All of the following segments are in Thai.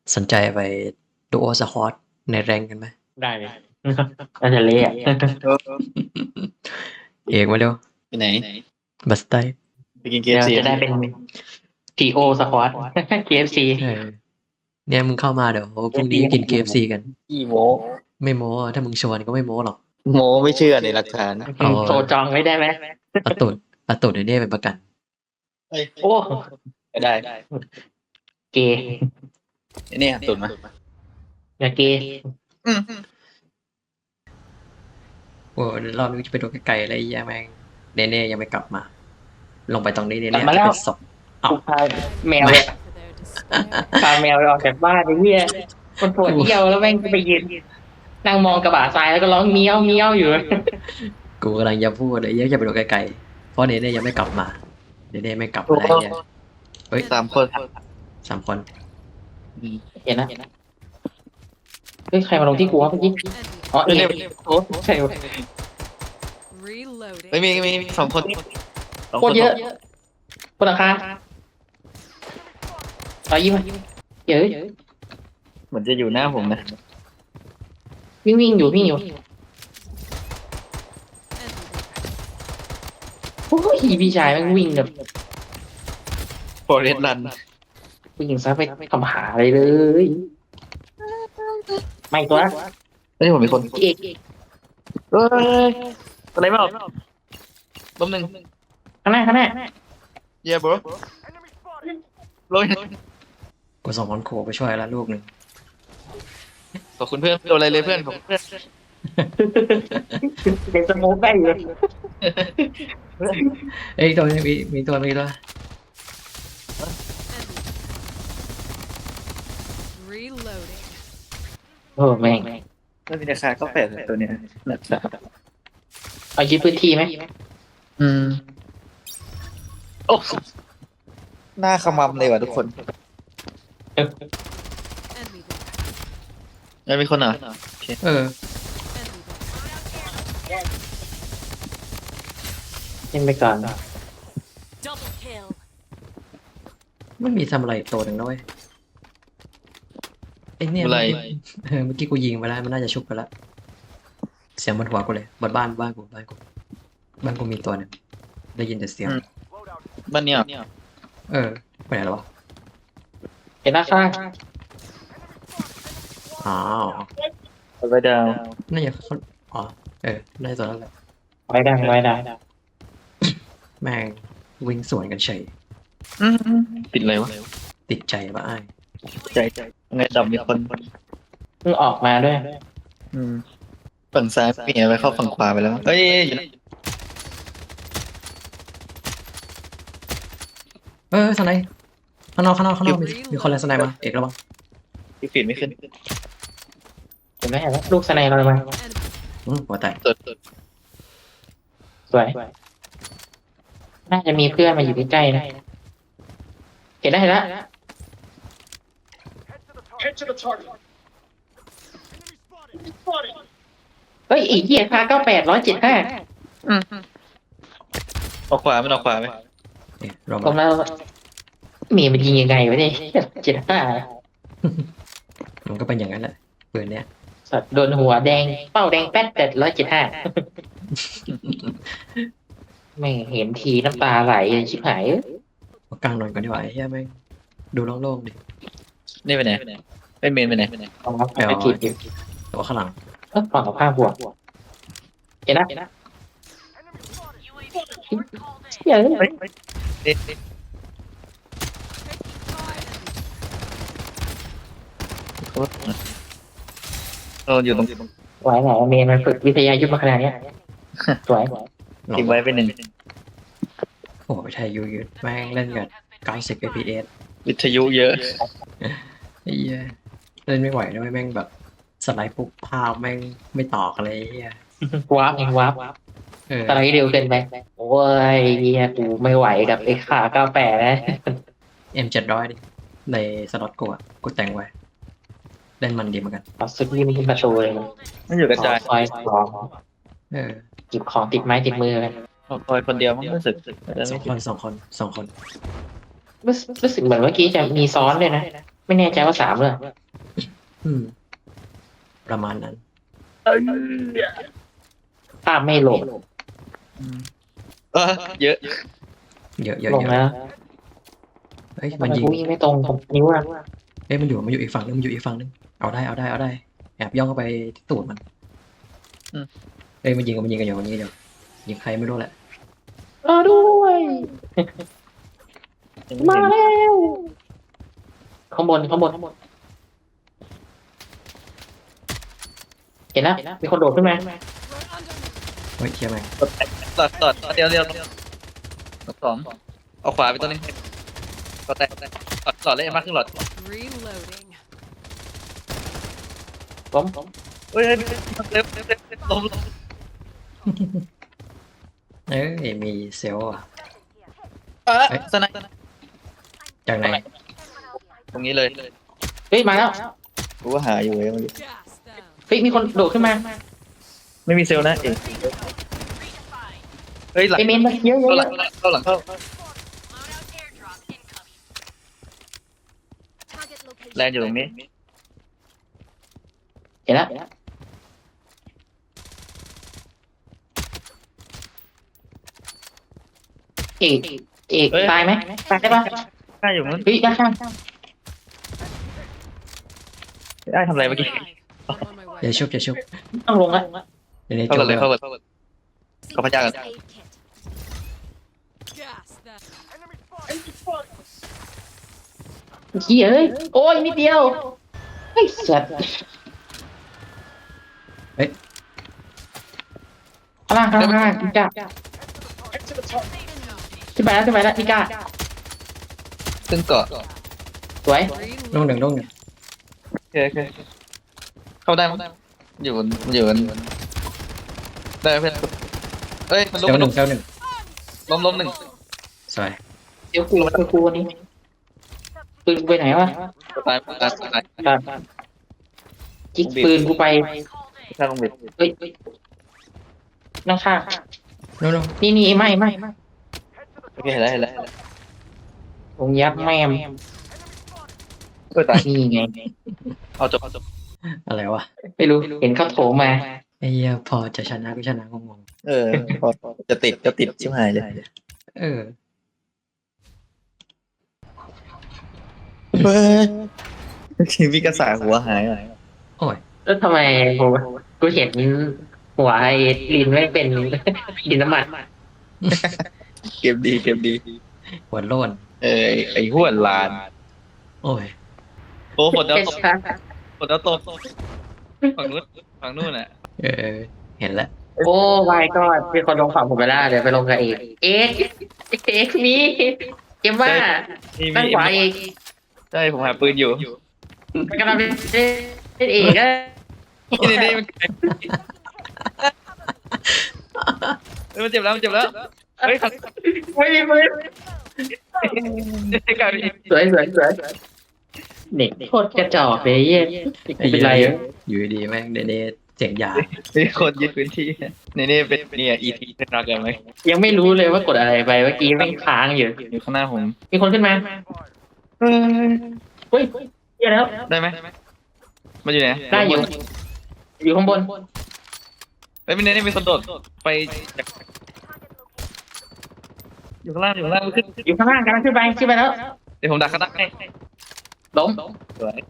สนใจไปดูโอสควอตในแรงกันไหมได้เลยน่าจะเละอะเอกมาเร็วไปไหนบัสไตไปกินเคเดี๋ฟยวซีจะได้เป็น TO สควอต KFC เนี่ยมึงเข้ามาเดี๋ยวพรุ่งนี้กิน KFC กันขี้โมไม่โม้อะถ้ามึงชวนก็ไม่โม้หรอกโมไม่เชื่อในหลักฐานนะเอาโทรจองไว้ได้ไหมเอาตูดไอ้เนี่ยเป็นประกันโอ้ได้เกย์เนี่ยตุนมาอย่าเกย์โอ้เดี๋ยวรอบนี้จะไปดูไกลๆอะไรแย่แม่งเนเน่ยังไม่กลับมา ลงไปตรงนี้เนกลัเน่บมาจะแล้วเป็นศพ เอ้ากูพาแมวอะพาแมวไปออกจากบ้านไอ้เหี้ยมันปวดเยี่ยวแล้วแม่งไปยืนนั่งมองกระบะทรายแล้วก็ร้องเมี้ยวเมี้ยวอยู่กูกำลังจะพูดเลยจะไปดูไกลๆเพราะเนเน่ยังไม่กลับมาเนเน่ไม่กลับมาอะไรเนี่ยเฮ้ย 3 คน 3 คนเห็นนะเฮ้ยใครมาลงที่กูวะเมื่อกี้อ๋อเอเนี่ยโอ้ใช่เว้ยไม่มี2 คน2 โคตรเยอะบนหลังคาต่อยิ้มอะเยอะเหมือนจะอยู่หน้าผมนะวิ่งอยู่โอ้ยพี่ชายแม่งวิ่งแบบฟอเรสต์รันวิ่งซะไปทำหาอะไรเลยไม่ตัวไม่ใช่ผมมีคนเอกเฮ้ยอะไรไม่ออกล้มหนึ่งข้างหน้าเย่บรลงกูส่งคนโขไปช่วยแล้วลูกหนึ่งขอบคุณเพื่อนโดนอะไรเลยเพื่อนขอบคุณเพื่อนเด็กสโมกได้อยู่เอ้ยตัวนี้มีตัวมีตัวโอ้แม่งแล้วมีราคาก็8ตัวเนี้ยหนักสามเอายึดพื้นที่ไหมโอ้หน้าขมำเลยว่ะทุกคนยังมีคนเหรอเออเล่นไปก่อนไม่มีทำอะไรอีกตัวหนึ่งนะเว้ยไอ้เนี่ยอะไรเมื่อกี้กูยิงไปแล้วมันน่าจะชุบไปแล้วเสียงบนหัวกูเลยบนบ้านกูบ้านกูมีตัวหนึงได้ยินแต่เสียงบ้านเนี้ยเออไปไหนแล้ววะเห็นหน้าข้างอ้าวไปดาวน่าจะเขาอ๋อเออน่าจะตัวนั้นแหละไว้ได้แม่งวิ่งสวนกันเฉยติดอะไรวะติดใจปะไอ้ายใจไงดำมีคนเพิ่งออกมาด้วยฝั่งซ้ายเปลี่ยนไปเข้าฝั่งขวาไปแล้วเอ้ยอยู่นะสไนป์ข้างนอกมีคนเลยสไนป์มาเอกระวังที่ฟีดไม่ขึ้นเห็นไหมลูกสไนเราเลยมาหัวแตกตัวสวย น่าจะมีเพื่อนมาอยู่ใกล้ๆนะเห็นแล้วเฮ้ยอีกเหี้ยค่า98,175 ออกขวาไม่ออกขวาไหมเนี่ยรอผมมาแล้วมีมันยิงยังไงวะเนี่ย75 มันก็เป็นอย่างนั้นแหละปืนเนี้ยสัตว์โดนหัวแดงเป้าแดงแป๊ด175ไม่เห็นทีน้ำตาไหลชิบหายเอากลางหน่อยก่อนดีกว่าไอ้เหี้ยแม่งดูโล่งๆดินี่ไปไหนไปเมนไปไหนเอามาไปกินอยู่แต่ว่าข้างหลังฝั่งกับข้างบวกเห็นนะเฮ้ยอยู่ตรงไหวไหนเมนมันฝึกวิทยายุทธมาขนาดเนี้ยสวยทิ้งไว้ไปหนึ่งโอ้โหไทยยูยูแม่งเล่นกัน90 fps วิทยุเยอะไอ้เหี้ยเล่นไม่ไหวนะเว้ยแม่งแบบสไลด์ปุ๊บภาพแม่งไม่ต่อกันเลยไอ้เหี้ยวาร์ปไงวาร์ปเออสไลด์เร็วเกินไปโอ้ยเฮียกูไม่ไหวกับไอ้ขา98นะ M700ดิในสล็อตกูอะกูแต่งไว้เล่นมันดีเหมือนกันเอาสุดยิ้มขึ้นประตูเลยมันอยู่กระจายคอยของเออจิบของติดไม้ติดมือกันคอยคนเดียวมั้งรู้สึกสองคนรู้สึกเหมือนเมื่อกี้จะมีซ้อนเลยนะไม่แน่ใจว่า3เลยอืม ประมาณนั้นภาพไม่โหลดเออเยอะเยอะเยอะลงเยอะแล้วเฮ้ยทำมันไมยิงกูวิ่งไม่ตรงกับนิ้วอะเฮ้ยมันอยู่อีกฝั่งนึงมันอยู่อีกฝั่งนึงเอาได้แอบย่องเข้าไปที่ตูดมันเฮ้ยมันยิงกันอยู่ยิงใครไม่รู้แหละรอด้วย มาแล้วข้างบนเห็นแล้วมีคนโดดขึ้นมาเฮ้ยเชี่ยแม่งตอดเดียวสองเอาขวาไปตัวนึงก็แตกหลอดเล่นมากขึ้นหลอด Reloading. ล้มเฮ้ยเล็บล้มเอ้ยมีเซลล์อ่ะสไนจากไหนตรงนี้เลยเฮ้ยมาแล้วกูก็หาอยู่เลย Gas them. เฮ้ยมีคนโดดขึ้นมาไม่มีเซลล์นะเองเฮ้ยหลังไอเมนมาเยอะเข้าหลังเข้าแลนอยู่ตรงนี้เห็นแล้วเอกตายไหมตายได้ปะได้อยู่นู้นเฮ้ยได้ข้างได้ทำอะไรเมื่อกี้ I'm on my way. อย่าชุบต้องลงแล้วเดี๋ยวนี้เข้าจกันบเลยแล้วเข้ากันเขาพยากัน Gas them. เฮียเอ้ยโอ้ยนิดเดียวไอ้สัตว์ข้างล่างพี่ก้าขึ้นไปแล้วพี่ก้าซึ่งเกาะสวยลงหนึ่งโอเคเข้าได้มั้ยอยู่กันได้เพื่อนเฮ้ยมันเซล้ลมล์หนึ่งล้มหนึ่งเสวยดี๋ยวกูวันนี้ปืนไปไหนวะตายจิกปืนกูไปข้างลงเบ็ดเฮ้ยนั่งข้างโน่นนี่ไม่โอเคเห็นแล้วผมยับแม่มตายนี่ไงเอาจบอะไรวะไม่รู้เห็นเขาโถมมาไอ้เหี้ยพอจะชนะก็ชนะงงพอจะติดชิบหายเลยๆเออเฮ้ยมีกระสาหัวหายโอ้ยแล้วทำไมกูเห็นหัวไอ้ลินไม่เป็นลินน้ำมันเก็บดีหัวโล้นไอ้หัวลานโอ้ยโอ้ฝนดาวตกฝั่งนู้นอ่ะเออเห็นแล้วโอ้ไม่ก็มีคนลงฝั่งผมไปแล้วเดี๋ยวไปลงกับเอกมีเกมว่าตั้งขวาเอกใช่ผมหาปืนอยู่กำลังเล่นเอกอะนี่มันเจ็บแล้วเฮ้ยไม่มีมือกลายเป็นสวยเด็กโคตรกระจอกเลยเยี่ยเป็นไรอยู่ดีๆแม่งเนเสียงยามีคนยึดพื้นที่นี่เป็นเนี่ย EP เป็นรักกันไหมยังไม่รู้เลยว่ากดอะไรไปเมื่อกี้แม่งค้างอยู่อยู่ข้างหน้าผมมีคนขึ้นมาเฮ้ยเยี่ยแล้วได้ไหมมาอยู่ไหนได้อยู่ข้างบนเฮ้ยมีเนี่ยมีคนโดดไปอยู่ข้างล่างขึ้นอยู่ข้างล่างกำลังขึ้นไปแล้วเดี๋ยวผมดักข้างล่างให้ล้มสวย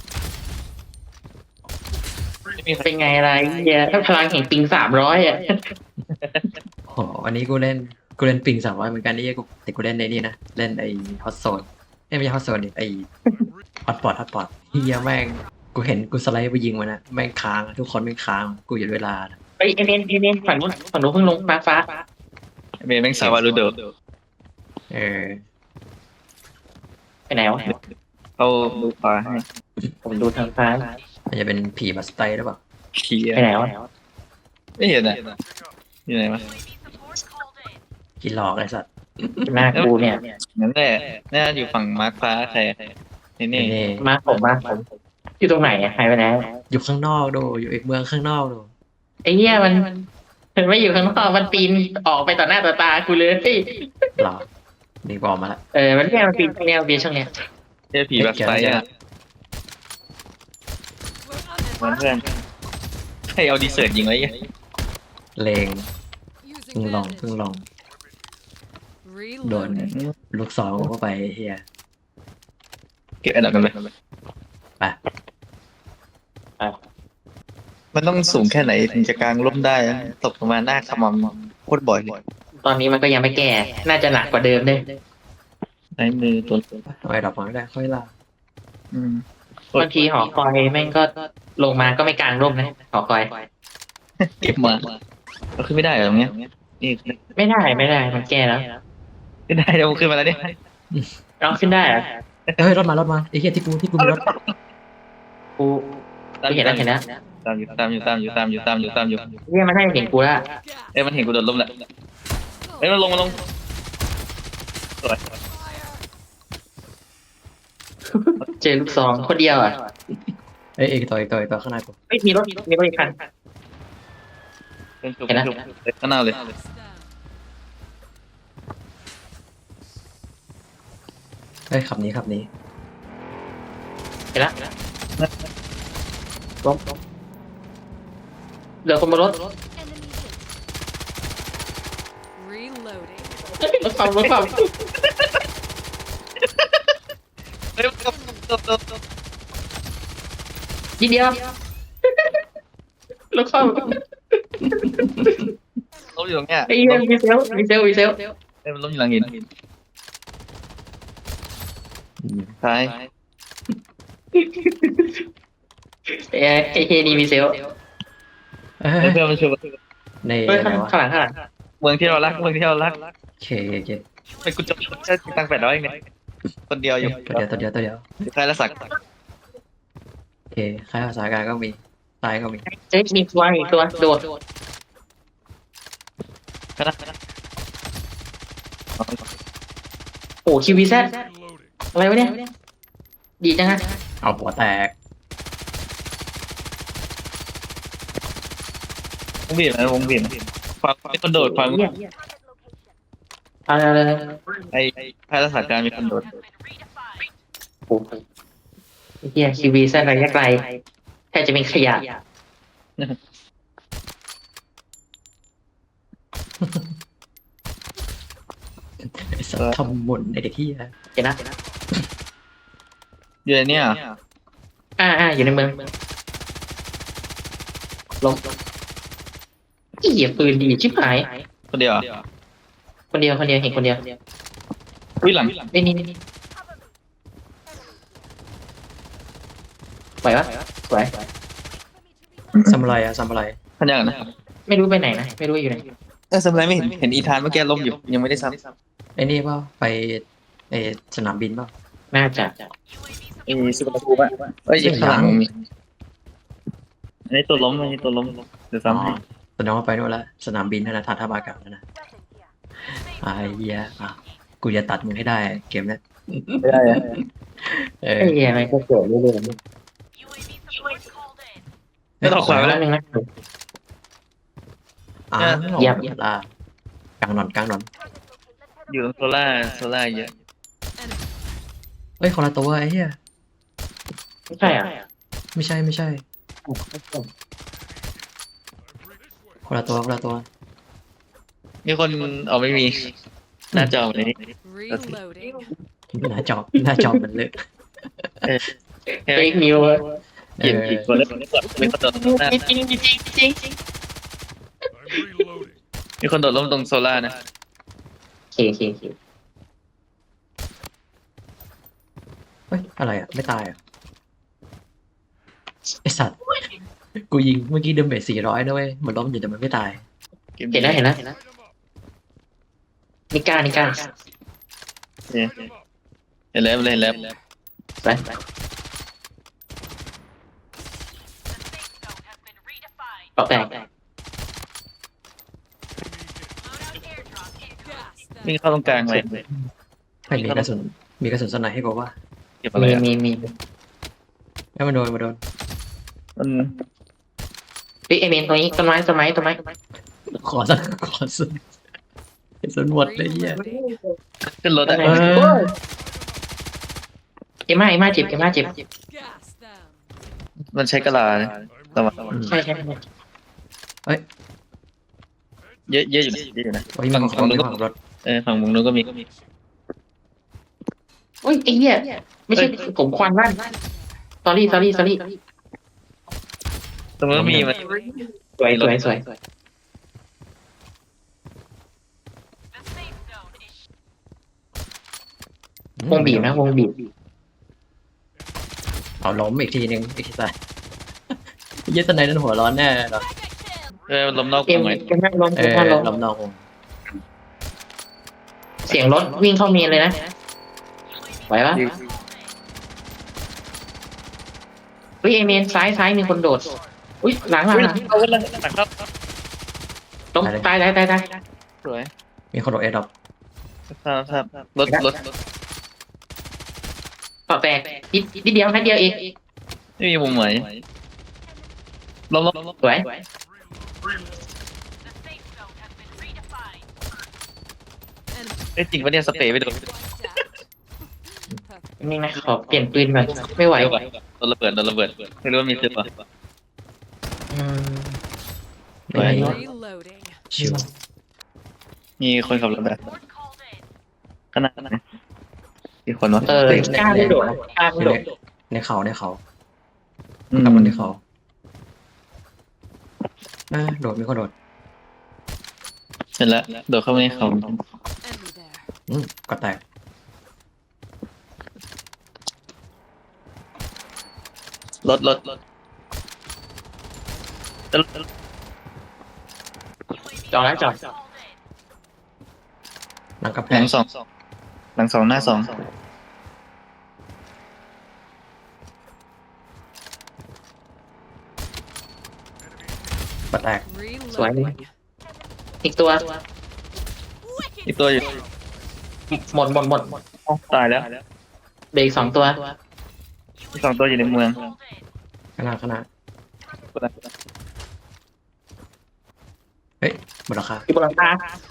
ไม่มีใครเป็นไงอะไรเยี่ยถ้าพลังแห่งปิง300อ่ะโอ้โหวันนี้กูเล่นปิง300เหมือนกันนี่แต่กูเล่นในนี่นะเล่นไอ้ฮอตโซนไม่ใช่ฮอตโซนดิไอ้ฮอตพอตเฮียแม่งกูเห็นกูสไลด์ไปยิงมันนะแม่งค้างทุกคนแม่งค้างกูหยุดเวลาไปเอ็นฝั่งนู้นเพิ่งลงฟ้าเมย์แม่งสาวารูโดเออไปไหนวะเขาดูฟ้าให้ผมดูทางฟ้ามันจะเป็นผีบัสไตหรือเปล่าเขียไปไหนวะไม่เห็นอ่ะอยู่ไหนวะผีหลอกไอ้สัตว์หน้ากูเนี่ยนั่นแหละน่าอยู่ฝั่งมาร์คฟ้าใครนี่เน่มาผมอยู่ตรงไหนหายไปไหนอยู่ข้างนอกดูอยู่อีกเมืองข้างนอกดูไอ้เหี้ยมันไม่อยู่ข้างนอกมันปีนออกไปต่อหน้าต่อตากูเลยหรอนี่บอกมาละมันปีนช่องเนี้ยเจอผีแบบไซอ่ะมันเพื่อนให้เอาดีเซิร์ตยิงไว้เลง Using เพิ่งลอง bandage. เพิ่งลองโดน Reloading. ลูกซองเข้าไปเฮียเก็บอันดับกันไปไปมันต้องสูงแค่ไหนถึงจะกลางร่มได้อะตกลงมาหน้าขมำโคตรบ่อยเลยตอนนี้มันก็ยังไม่แก้ น่าจะหนักกว่าเดิมด้วยใช้มือตัวเอาไอ้ดอกไม้ได้ค่อยล่าอืมบางทีหอคอยแม่งก็ลงมาก็ไม่กลางร่มนะหอคอยเก็บมาเราขึ้นไม่ได้เหรอตรงเนี้ยนี่ไม่ได้ไม่ได้มันแก้แล้วขึ้นได้เดี๋ยวมันขึ้นมาแล้วเนี่ยเราขึ้นได้เหรอเฮ้ยรถมารถมาไอ้เฮียที่กูมีรถกูเห็นแล้วเห็นแล้วตามอยู่เรียกมันให้เห็นกูแล้วเอ้ยมันเห็นกูโดนล้มแล้วเอ้ยมันลงสวยเจอลูกซองคนเดียวอ่ะเอ้ยอีกตัวข้างในกูไม่มีรถอีกคันเป็นจุกเห็นแล้วข้างหน้าเลย Down. เฮ้ยขับนี้เห็นแล้วล้มเหลือคนบนรถ Reloading. รถความเฮ้ยมันก็ทีเดียวรถความล้มอยู่ตรงเนี้ยไอ้เหี้ยมีเซลล์เอ้ยมันล้มอยู่หลังหินอืมซ้ายไอ้เฮนี่มีเซลล์เอ้เอ้ยยเพื่อนมันช่วยในเฮ้ยอะไรวะข้างหลังเมืองที่เรารักโอเคไปกูจะใช้ตังค์800เองเนี่ยคนเดียวอยู่ตัวเดียวใครละสักโอเคค่ายภาษาการก็มีซ้ายก็มีเฮ้ยมีตัวอีกตัวโดดก็นะโอ้คิววีแซดอะไรวะเนี่ยดีจังฮะเอาหัวแตกวงบีบนะวงบีบฟังมีคนโดดฟังอะไรไอ้ใครละสักการมีคนโดดโอ้เฮียคิววีแซดระยะไกลแทบจะเป็นขยะไอ้สัตว์ทำหมุนไอ้เด็กที่เห็นนะอยู่ในเนี้ยอยู่ในเมืองลงอีเหี้ยปืนดีชิบหายคนเดียวคนเดียวเห็นคนเดียวอุ้ยหลังนี่ไหวปะไหวซามูไรอะซามูไรพันยังนะไม่รู้ไปไหนนะไม่รู้อยู่ไหนสมัยไม่เห็นอีธานเมื่อกี้ล้มอยู่ยังไม่ได้ซ้ไอ้นี่เปล่าไปไอ้สนามบินเปล่าน่าจะำไอ้สุวรรณภูมิเอ้ยข้างหลังมีอันนี้ตัวล้มเดี๋ยวซ้ำให้แสดงว่าไปนู่นละสนามบินนั่นนะฐานทัพอากาศนั่นนะไอ้เหี้ยอ่ะกูจะตัดมึงให้ได้เกมเนี้ยไม่ได้อะเออไอ้เหี้ยมันก็เกิดเรื่อยไม่ต้องขวางๆแล้แล้ว วนึงนะอ้าวเหยียบล่ะกลางหนอนอยู่ตรงโซล่าเยอะเฮ้ยคนละตัวไอ้เหี้ยไม่ใช่อ่ะไม่ใช่คนละตัวมีคนเอาไม่มีหน้าจอเลย Reloading. หน้าจอมันเลยเฟกนิวเย็นกี่คนแล้วมีคนโดดล้มจริงมีคนโดดล้มตรงโซล่านะโอเคเฮ้ยอะไรอ่ะไม่ตายอ่ะไอสัตว์กูยิงเมื่อกี้เดเมจ400นะเว้ยมันล้มอยู่แต่มันไม่ตายเห็นแล้วนิก้าเห็นแล้วไปปอกแตก Gas วิ่งเข้าตรงกลางเลยไม่มีกระสุนสไนให้กูว่าเก็บอะไรอ่ะมีให้มันโดนมันเฮ้ยไอเมนตรงนี้ต้นไม้ขอสุนกระสุนหมดเลยเหี้ย Reloading. ขึ้นรถอ่ะเอ็มม่าเจ็บ Gas them. มันใช้กะลาระวังใช่ใช่เอ้ยเยอะเยอะอยู่นะเยอะอยู่นะโอ้ยมีคนมีฝั่งรถฝั่งมุมนู้นก็มีโอ้ยไอ้เหี้ยไม่ใช่ผมควันลั่นสอรี่ตรงนู้นมีมัน Reloading. สวย วงบีบนะวงบีบเอาล้มอีกทีนึงอีกทีใส่ ยึดตะไนนั้นหัวร้อนแน่หรอลมนอกเกวมงไหมเกมแม่งล้มเอเกมอแม่งล้มล้มนอกวงเสียงรถวิ่งเข้าเมนเลยนะไหวปะเฮ้ยไอเมนซ้ายมีคนโดดอุ้ยหลังเอาเลยครับล้มตายสวยมีคนโดดเอดอปครับรถต่อแตกนิดเดียวนัดเดียวเองไม่มีมุมไหนลมสวยจริงปะเนี่ยสเปรย์ไปโดน Wiped out. Perfect. นี่นะขอเปลี่ยนปืนก่อนไม่ไหวโดนระเบิดไม่รู้ว่ามีซึปป่ะอืมไม่ Reloading. ชิวมีคนขับรถแบบขนาดไหนมีคนวะกล้าไม่โดดกล้าไม่โดดในเขากลับมันในเขาโดดมีคนโดดเห็นแล้วโดดเข้าไปในเขา Enemy there. ก็แตกรถจอดแล้วจอดหลังกำแพหลังงสองหน้าสองก็แตก Reloading. อีกตัวอีกตัวอยู่หมดตายแล้วเบรก2 ตัวอีก2 ตัวอยู่ในเมืองขนาดเฮ้ยหมดราคาที่บนหลังคา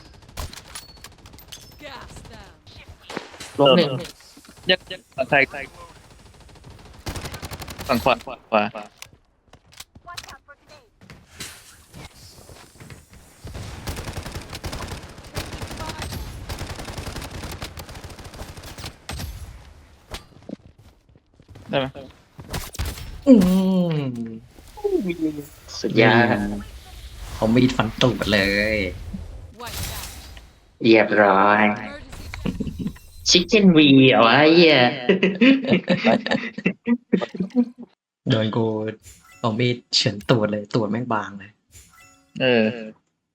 Gas them. ลงหนึ่งยักฝั่งไทยฝั่งขวาได้ไหมอืมสุดยอดเขามีดฟันตูดเลย Wiped out. เรียบร้อย Emergency. ชิคเก้นวีเอาไว้เหี้ยโดนกูเอามีดเฉือนตูดเลยตูดแม่งบางเลยเออ